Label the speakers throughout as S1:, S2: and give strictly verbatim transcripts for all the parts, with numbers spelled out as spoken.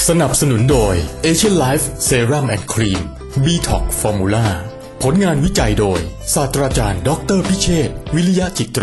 S1: สนับสนุนโดย Asian Life Serum and Cream บี ท็อกซ์ Formula ผลงานวิจัยโดยศาสตราจารย์ดรพิเชษฐ์วิริยะจิตรา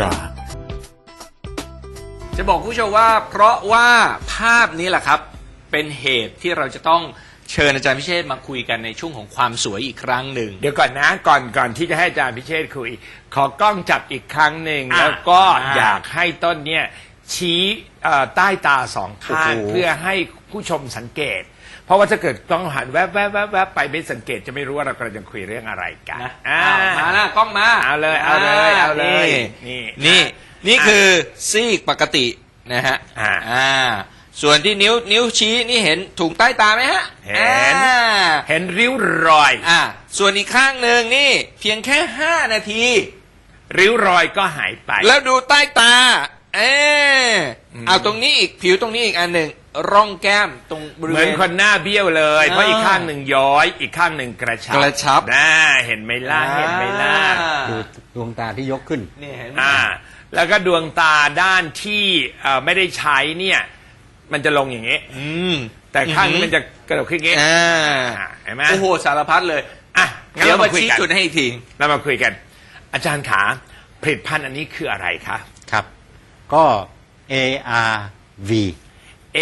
S2: จะบอกผู้ชมว่าเพราะว่าภาพนี้แหละครับเป็นเหตุที่เราจะต้องเชิญอาจารย์พิเชษฐ์มาคุยกันในช่วงของความสวยอีกครั้งหนึ่ง
S3: เดี๋ยวก่อนนะก่อนก่อนที่จะให้อาจารย์พิเชษฐ์คุยขอกล้องจับอีกครั้งหนึ่งแล้วก็อยากให้ต้นเนี่ยชี้ใต้ตาสองข้างเพื่อให้ผู้ชมสังเกตเพราะว่าถ้าเกิดต้องหันแวบแวบแวบแวบไปไม่สังเกตจะไม่รู้ว่าเรากำลังจะคุยเรื่องอะไรกัน
S2: นะมาหน้ากล้องมา
S3: เอาเลยเอาเลยเอาเลย
S2: นี่นี่นี่คือซีกปกตินะฮะอ่าส่วนที่นิ้วนิ้วชี้นี่เห็นถุงใต้ตาไหมฮะ
S3: เห็นเห็นริ้วรอย
S2: อ่าส่วนอีกข้างหนึ่งนี่เพียงแค่ห้านาที
S3: ริ้วรอยก็หายไป
S2: แล้วดูใต้ตาเออเอาตรงนี้อีกผิวตรงนี้อีกอันหนึ่งร่องแก้มตรงบริเวณ
S3: เหมือนคนหน้าเบี้ยวเลยเพราะอีกข้างหนึ่งย้อยอีกข้างหนึ่งกระชับ
S2: กระชับ
S3: น่าเห็นไหมล่ะเห็นไหมล่ะ
S4: ดูดวงตาที่ยกขึ้น
S2: นี่เห็นไหม
S3: อ่าแล้วก็ดวงตาด้านที่ไม่ได้ใช้เนี่ยมันจะลงอย่างนี้แต่ข้างนี้มันจะกระดกขึ้นอย่างนี้เห็นไหม
S2: โอ้โหสารพัดเลย
S3: อ่ะ
S2: เดี๋ยวมาชี้จุดให้อีกที
S3: เรามาคุยกันอาจารย์ขาผลิตภัณฑ์อันนี้คืออะไรคะ
S4: ครับก็ เอ อาร์ วี
S3: A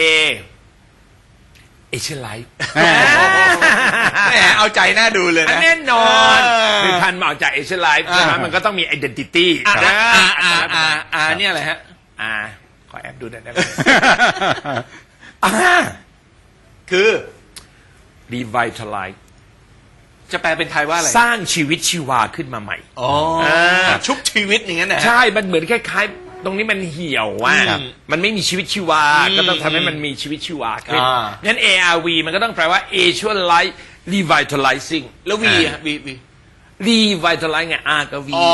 S3: Asian Life
S2: แหมเอาใจน่าดูเลยนะ
S3: แน่นอนผลิตภัณฑ์มาจาก Asian Life ใช่ไหมมันก็ต้องมี identity
S2: อ่าอ่าอ่าอ่าเนี่ยอะไรฮะ
S3: อ่าขอแอบดูหน่อยได้ไหม
S2: คือ
S3: revitalize
S2: จะแปลเป็นไทยว่าอะไร
S3: สร้างชีวิตชีวาขึ้นมาใหม่
S2: อ๋อชุบชีวิตอย่างนั้นนะ
S3: ใช่มันเหมือนคล้ายๆตรงนี้มันเหี่ยวว่ามันไม่มีชีวิตชีวาก็ต้องทำให้มันมีชีวิตชีวาขึ้นงั้น เอ อาร์ วี มันก็ต้องแปลว่า Asian Life Revitalizing
S2: แล้ว V อ่ะ V V
S3: Revitalize ไง R กับ V
S2: อ๋อ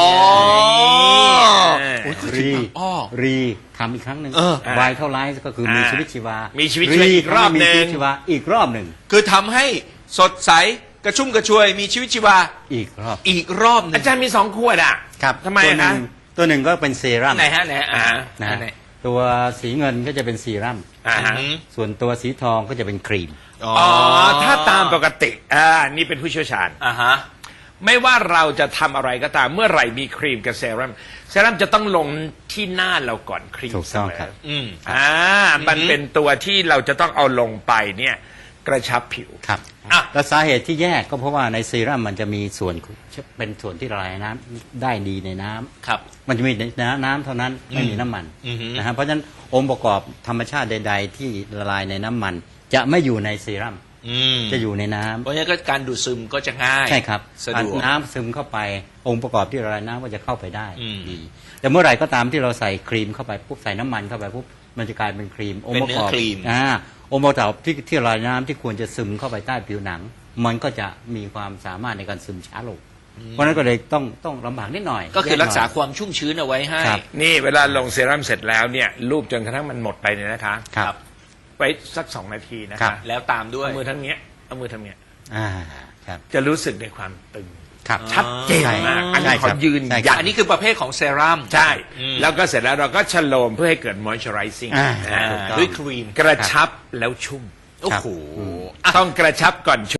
S4: รีรีทำอีกครั้งหนึ่ง Vitalize ก็คือมีชีวิตชีวา
S3: มีชีวิตชีวาอีกรอบหนึ่ง
S4: ชีวาอีกรอบหนึ่ง
S2: คือทำให้สดใสกระชุ่มกระชวยมีชีวิตชีวา
S4: อีกรอบ
S2: อีกรอบนึง
S3: อาจารย์มีสองขวดอ่ะ
S4: ครับ
S3: ทำไมนะ
S4: ตัวหนึ่งก็เป็นเซรั่ม
S2: ไหนฮะไหนอ่า
S4: นะตัวสีเงินก็จะเป็นเซรั่มส่วนตัวสีทองก็จะเป็นครีม
S3: อ๋อถ้าตามปกติอ่านี่เป็นผู้เชี่ยวชาญ
S2: อ่าฮะ
S3: ไม่ว่าเราจะทำอะไรก็ตามเมื่อไหร่มีครีมกับเซรั่มเซรั่มจะต้องลงที่หน้าเราก่อนครีม
S4: ถูกต้องครับ
S3: อืมอ่ามันเป็นตัวที่เราจะต้องเอาลงไปเนี่ยกระชับผิว
S4: ครับแล้วสาเหตุที่แยกก็เพราะว่าในเซรั่มมันจะมีส่วนเป็นส่วนที่ละลายน้ำได้ดีในน้ำ
S2: ครับ
S4: มันจะมีน้ำเท่านั้นไม่มีน้ำมันนะครับเพราะฉะนั้นองค์ประกอบธรรมชาติใดๆที่ละลายในน้ำมันจะไม่อยู่ในเซรั่มจะอยู่ในน้ำ
S2: เพราะฉะนั้นก็การดูดซึมก็จะง่าย
S4: ใช่ครับ
S2: สะดวก
S4: น้ำซึมเข้าไปองค์ประกอบที่ละลายน้ำก็จะเข้าไปได้ดีแต่เมื่อไหร่ก็ตามที่เราใส่ครีมเข้าไปปุ๊บใส่น้ำมันเข้าไปปุ๊บมันจะกลายเป็นครีม
S2: องค์ประกอบ
S4: อ่าองค์ประกอบที่ที่ละลายน้ำที่ควรจะซึมเข้าไปใต้ผิวหนังมันก็จะมีความสามารถในการซึมช้าลงเพราะนั้นก็เลยต้องต้องลำบากนิดหน่อย
S2: ก็คือรักษาความชุ่มชื้นเอาไว้ให้
S3: นี่เวลาลงเซรั่มเสร็จแล้วเนี่ยรูปจนกระทั่งมันหมดไปเนี่ยนะคะ
S4: ครับ
S3: ไว้สักสองนาทีนะคะ
S2: แล้วตามด้วย
S3: เอามือทั้งเนี้ยเอามือทำเนี้ย
S4: อ่าครับ
S3: จะรู้สึกในความตึง
S4: ชั
S3: ดเจนมากอันนี้ขอยืนยัน
S2: อันนี้คือประเภทของเซรั่ม
S3: ใช่แล้วก็เสร็จแล้วเราก็ชโลมเพื่อให้เกิด moisturizing
S2: ด้วยครีม
S3: กระชับแล้วชุ่ม
S2: โอ้โห
S3: ต้องกระชับก่อนชุ่ม